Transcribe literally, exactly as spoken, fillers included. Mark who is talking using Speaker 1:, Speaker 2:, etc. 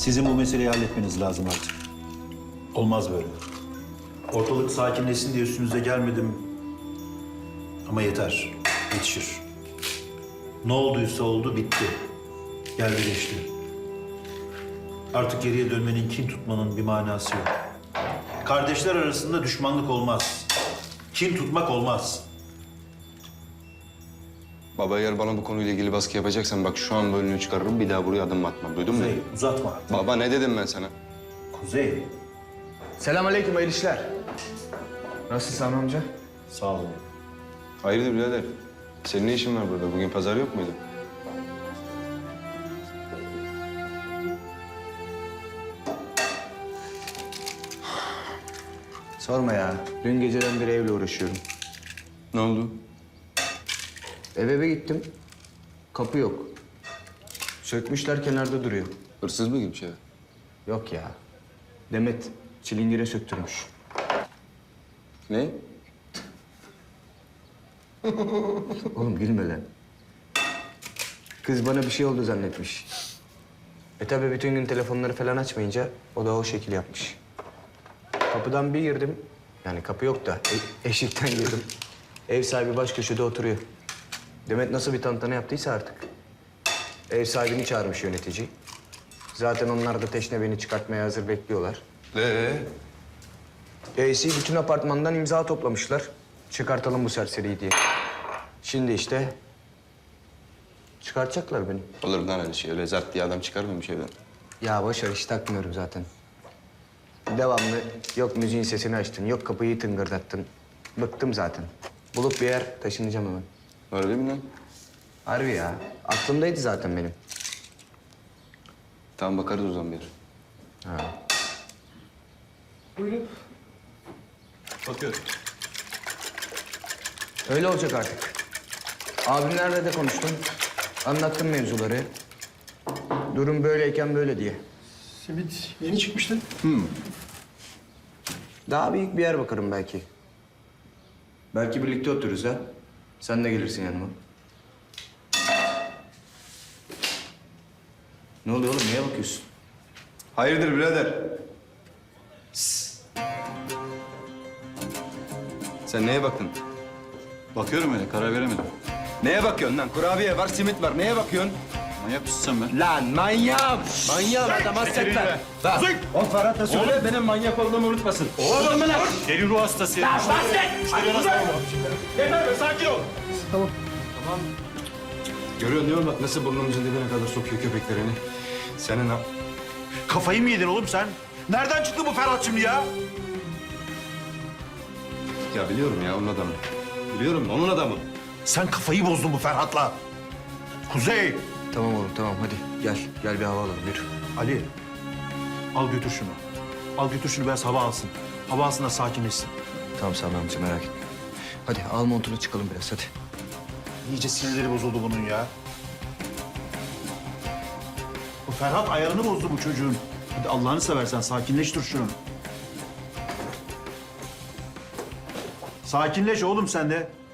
Speaker 1: Sizin bu meseleyi halletmeniz lazım artık. Olmaz böyle. Ortalık sakinleşsin diye üstünüze gelmedim. Ama yeter, yetişir. Ne olduysa oldu, bitti. Geldi geçti. Artık geriye dönmenin, kin tutmanın bir manası yok. Kardeşler arasında düşmanlık olmaz. Kin tutmak olmaz.
Speaker 2: Baba eğer bana bu konuyla ilgili baskı yapacaksan bak şu an bölümünü çıkarırım bir daha buraya adım atmam. Duydun mu?
Speaker 1: Kuzey, uzatma artık.
Speaker 2: Baba ne dedim ben sana?
Speaker 1: Kuzey,
Speaker 3: Selamünaleyküm, hayırlı işler. Nasılsın Sami amca?
Speaker 1: sağ olun.
Speaker 2: Hayırdır birader? Senin ne işin var burada? Bugün pazar yok muydu?
Speaker 3: Sorma ya. Dün geceden beri evle uğraşıyorum.
Speaker 2: Ne oldu?
Speaker 3: Eve eve gittim. Kapı yok. Sökmüşler, kenarda duruyor.
Speaker 2: Hırsız mı gibi bir şey?
Speaker 3: Yok ya. Demet çilingire söktürmüş.
Speaker 2: Ne?
Speaker 3: Oğlum gülme lan. Kız bana bir şey oldu zannetmiş. E tabi bütün gün telefonları falan açmayınca o da o şekil yapmış. Kapıdan bir girdim. Yani kapı yok da e- eşikten girdim. Ev sahibi baş köşede oturuyor. Demet nasıl bir tantana yaptıysa artık. Ev sahibini çağırmış yönetici. Zaten onlar da teşne beni çıkartmaya hazır bekliyorlar.
Speaker 2: Ee?
Speaker 3: E'si bütün apartmandan imza toplamışlar. Çıkartalım bu serseriyi diye. Şimdi işte çıkartacaklar beni.
Speaker 2: Olur lan öyle şey. Öyle zart diye adam çıkarmamış evden.
Speaker 3: Ya boş ver, hiç takmıyorum zaten. Devamlı yok müziğin sesini açtın, yok kapıyı tıngırdattın. Bıktım zaten. Bulup bir yer taşınacağım hemen.
Speaker 2: Öyle mi lan?
Speaker 3: Harbi ya. Aklımdaydı zaten benim.
Speaker 2: Tamam bakarız o zaman bir.
Speaker 3: Ha.
Speaker 1: Bakıyorum.
Speaker 3: Öyle olacak artık. Abimlerle de konuştum. Anlattım mevzuları. Durum böyleyken böyle diye.
Speaker 4: Simit yeni çıkmıştı.
Speaker 3: Daha büyük bir yer bakarım belki. Belki birlikte otururuz ha. Sen de gelirsin yanıma. Ne oluyor oğlum? Neye bakıyorsun?
Speaker 2: Hayırdır birader? Sen neye baktın?
Speaker 1: Bakıyorum öyle, karar veremedim.
Speaker 2: Neye bakıyorsun lan? Kurabiye var, simit var. Neye bakıyorsun?
Speaker 1: Manyak mısın sen be?
Speaker 3: Lan manyağım! Manyağım adam hasretler. Bak, o Ferhat da söyle benim manyak olduğumu unutmasın. Oğlum mu lan?
Speaker 1: Deli ruh hastası.
Speaker 3: Lan bahset!
Speaker 4: Yeter be, sakin ol.
Speaker 2: Görüyorsun değil mi bak nasıl burnumuzun dibine kadar sokuyor köpeklerini. Senin ha...
Speaker 1: Kafayı mı yedin oğlum sen? Nereden çıktı bu Ferhat şimdi ya?
Speaker 2: Ya biliyorum ya onun adamı. Biliyorum onun adamı.
Speaker 1: Sen kafayı bozdun bu Ferhat'la. Kuzey.
Speaker 3: Tamam oğlum tamam hadi gel. Gel bir hava alalım yürü.
Speaker 1: Ali, al götür şunu. Al götür şunu, biraz hava alsın. Hava alsın da sakinleşsin.
Speaker 3: Tamam Sami amca merak etme. Hadi al montunu çıkalım biraz hadi.
Speaker 1: İyice sinirleri bozuldu bunun ya. Bu Ferhat ayarını bozdu bu çocuğun. Hadi Allah'ını seversen sakinleş, dur şunu. Sakinleş oğlum sen de.